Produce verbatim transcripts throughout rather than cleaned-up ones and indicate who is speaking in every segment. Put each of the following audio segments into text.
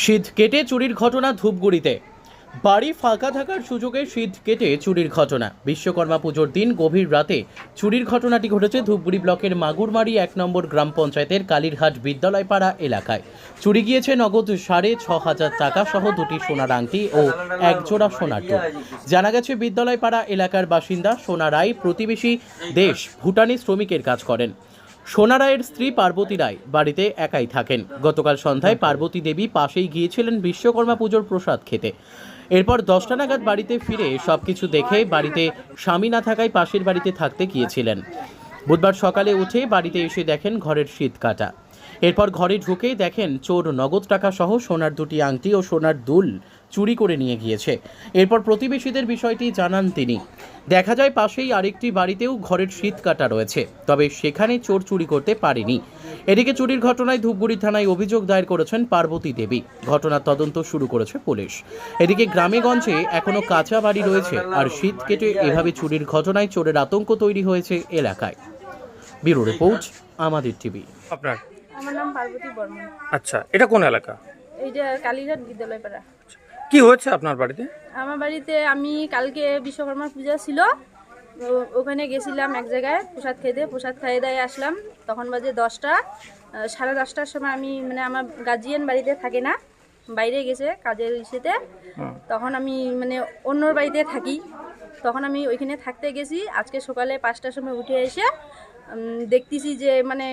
Speaker 1: শীত কেটে চুরির ঘটনা ধূপগুড়িতে। বাড়ি ফাঁকা থাকার সুযোগে শীত কেটে চুরির ঘটনা। বিশ্বকর্মা পুজোর দিন গভীর রাতে চুরির ঘটনাটি ঘটেছে ধূপগুড়ি ব্লকের মাগুরমারি এক নম্বর গ্রাম পঞ্চায়েতের কালীরহাট বিদ্যালয়পাড়া এলাকায়। চুরি গিয়েছে নগদ সাড়ে ছ হাজার টাকা সহ দুটি সোনার আংটি ও এক জোড়া সোনার দুল। জানা গেছে বিদ্যালয়পাড়া এলাকার বাসিন্দা সোনা রায় প্রতিবেশী দেশ ভুটানি শ্রমিকের কাজ করেন। সোনা রায়ের স্ত্রী পার্বতী রায় বাড়িতে একাই থাকেন। গতকাল সন্ধ্যায় পার্বতী দেবী পাশেই গিয়েছিলেন বিশ্বকর্মা পুজোর প্রসাদ খেতে। এরপর দশটা নাগাদ বাড়িতে ফিরে সবকিছু দেখে বাড়িতে স্বামী না থাকায় পাশের বাড়িতে থাকতে গিয়েছিলেন। বুধবার সকালে উঠে বাড়িতে এসে দেখেন ঘরের শীত কাটা। এরপর ঘরে ঢুকেই দেখেন চোর নগদ টাকা সহ সোনার দুটি আংটি ও সোনার দুল চুরি করে নিয়ে গিয়েছে। এরপর প্রতিবেশীদের বিষয়টি জানান তিনি। দেখা যায় পাশেই আরেকটি বাড়িতেও ঘরের শীত কাটা রয়েছে, তবে সেখানে চোর চুরি করতে পারেনি। এদিকে চুরির ঘটনায় ধূপগুড়ি থানায় অভিযোগ দায়ের করেছেন পার্বতী দেবী। ঘটনার তদন্ত শুরু করেছে পুলিশ। এদিকে গ্রামেগঞ্জে এখনো কাঁচা বাড়ি রয়েছে, আর শীত কেটে এভাবে চুরির ঘটনায় চোরের আতঙ্ক তৈরি হয়েছে এলাকায়। ব্যুরো রিপোর্ট, আমাদের টিভি।
Speaker 2: আপনার?
Speaker 3: আমার নাম পার্বতী বর্মন।
Speaker 2: আচ্ছা, এটা কোন এলাকা?
Speaker 3: এইটা কালীঘাট বিদ্যালয়পাড়া।
Speaker 2: কি হয়েছে আপনার বাড়িতে?
Speaker 3: আমার বাড়িতে আমি কালকে বিশ্বকর্মা পূজা ছিল, ও- ওখানে গেছিলাম এক জায়গায় প্রসাদ খেতে। প্রসাদ খাইয়ে দায়ে আসলাম, তখন বাজে দশটা। আহ, সাড়ে দশটার সময় আমি মানে আমার গার্জিয়ান বাড়িতে থাকে না, বাইরে গেছে কাজের ইসেতে। তখন আমি মানে অন্যর বাড়িতে থাকি, তখন আমি ওইখানে থাকতে গেছি। আজকে সকালে পাঁচটার সময় উঠে এসে উম, দেখতেছি যে মানে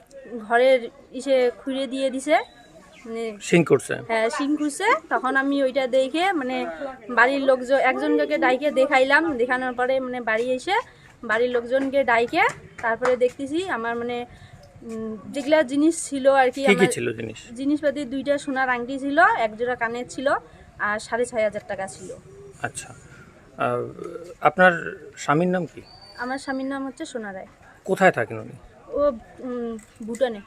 Speaker 3: ঘরের ইসে খুঁড়ে দিয়ে দিছে, মানে
Speaker 2: সিং করছে?
Speaker 3: হ্যাঁ সিং খুঁজছে। তখন আমি ওইটা দেখে মানে বাড়ির লোকজন একজনকে ডাইকে দেখাইলাম। দেখানোর পরে মানে বাড়ি এসে বাড়ির লোকজনকে ডাইকে তারপরে দেখতেছি আমার মানে উম, যেগুলা জিনিস ছিল আর কি,
Speaker 2: কি কি
Speaker 3: আমার
Speaker 2: ছিল জিনিস?
Speaker 3: জিনিসপাতি দুইটা সোনার আংটি ছিল, এক জোড়া কানের ছিল, আর সাড়ে ছয় হাজার টাকা ছিল।
Speaker 2: আচ্ছা, আহ, আপনার স্বামীর নাম কি?
Speaker 3: আমার স্বামীর নাম হচ্ছে সোনা রায়।
Speaker 2: কোথায় থাকেন উনি?
Speaker 3: ও উম, ভুটানে।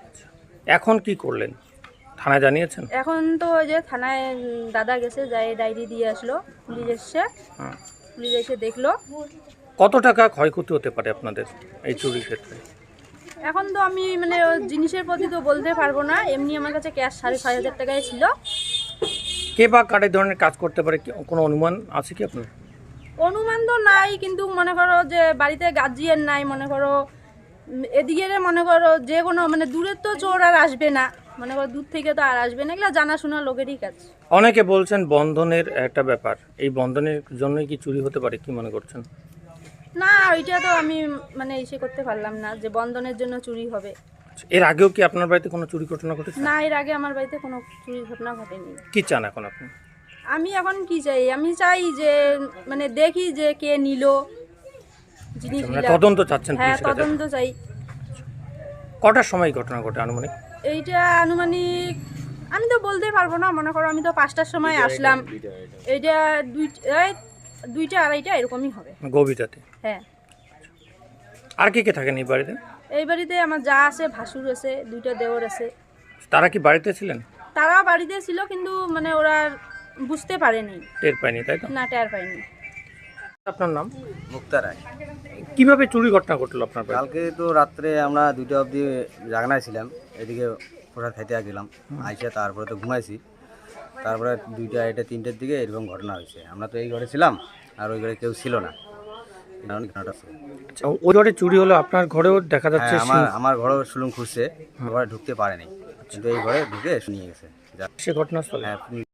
Speaker 2: এখন কি করলেন? থানায় জানিয়েছেন?
Speaker 3: এখন তো ওই যে থানায় উম, দাদা গেছে, যাই ডায়েরি দিয়ে আসলো। পুলিশ এসছে,
Speaker 2: হ্যাঁ।
Speaker 3: পুলিশ এসে দেখলো।
Speaker 2: কত টাকা ক্ষয়ক্ষতি হতে পারে আপনাদের এই চুরির ক্ষেত্রে?
Speaker 3: এখন তো আমি মানে ও জিনিসের প্রতি তো বলতে পারবো না, এমনি আমার কাছে ক্যাশ সাড়ে ছয় হাজার টাকায় ছিল।
Speaker 2: কে বা কার এই ধরনের কাজ করতে পারে, কি- কোনো অনুমান আছে কি আপনার?
Speaker 3: অনুমান তো নাই, কিন্তু মনে করো যে বাড়িতে গার্জিয়ান নাই, মনে করো উম, এদিকে মনে করো যে কোনো মানে দূরের তো চোর আর আসবে না, মনে করো দূর থেকে তো আর আসবে না, এগুলো জানাশোনা লোকেরই কাজ।
Speaker 2: অনেকে বলছেন বন্ধনের একটা ব্যাপার, এই বন্ধনের জন্যই কি চুরি হতে পারে, কি মনে করছেন?
Speaker 3: না, ওইটা তো আমি মানে ইসে করতে পারলাম না যে বন্ধনের জন্য চুরি হবে।
Speaker 2: এর আগেও কি আপনার বাড়িতে কোনো চুরি ঘটনা ঘটেছে?
Speaker 3: না, এর আগে আমার বাড়িতে কোনো চুরি ঘটনা ঘটেনি।
Speaker 2: কি চান এখন আপনি?
Speaker 3: আমি এখন কি চাই, আমি চাই যে মানে দেখি যে কে নিল
Speaker 2: মানে
Speaker 3: জিনিসগুলা।
Speaker 2: তদন্ত চাচ্ছেন
Speaker 3: হ্যাঁ,
Speaker 2: পুলিশের কাছে?
Speaker 3: তদন্ত চাই।
Speaker 2: কটার সময় ঘটনা ঘটে আনুমানিক?
Speaker 3: এইটা আনুমানিক আমি তো বলতে পারবো না, মনে করো আমি তো পাঁচটার সময় আসলাম, এইটা দুই এই দুইটা আড়াইটা এরকমই হবে।
Speaker 2: গভীর রাতে?
Speaker 3: হ্যাঁ।
Speaker 2: আর কে কে থাকেন এই বাড়িতে?
Speaker 3: এই বাড়িতে আমার যা আছে, ভাসুর আছে, দুইটা দেওর আছে।
Speaker 2: তারা কি বাড়িতে ছিলেন?
Speaker 3: তারা বাড়িতে ছিল, কিন্তু মানে ওরা বুঝতে পারেনি,
Speaker 2: টের পাইনি, তাই তো?
Speaker 3: না টের পায়নি।
Speaker 2: আপনার নাম?
Speaker 4: মুক্তা রায়।
Speaker 2: কিভাবে চুরি ঘটনা ঘটলো আপনার বাড়িতে?
Speaker 4: কালকে তো রাত্রে আমরা দুইটা অবধি জাগনায় ছিলাম, এদিকে প্রসাদ খাইতে গেলাম, আইসে তারপরে তো ঘুমাইছি। তারপরে দুইটা এটা তিনটের দিকে এরকম ঘটনা হয়েছে। আমরা তো এই ঘরে ছিলাম, আর ওই ঘরে কেউ ছিল না। কারণ ঘটনাটা ছিল।
Speaker 2: আচ্ছা, ওই ঘরে চুরি হলো, আপনার ঘরেও দেখা যাচ্ছে
Speaker 4: হ্যাঁ, আমার
Speaker 2: সিং-
Speaker 4: আমার ঘরেও সুলুম খুঁজছে, ঘরে ঢুকতে পারেনি, কিন্তু এই ঘরে ঢুকে নিয়ে গেছে।
Speaker 2: সে ঘটনাস্থলে?
Speaker 4: হ্যাঁ।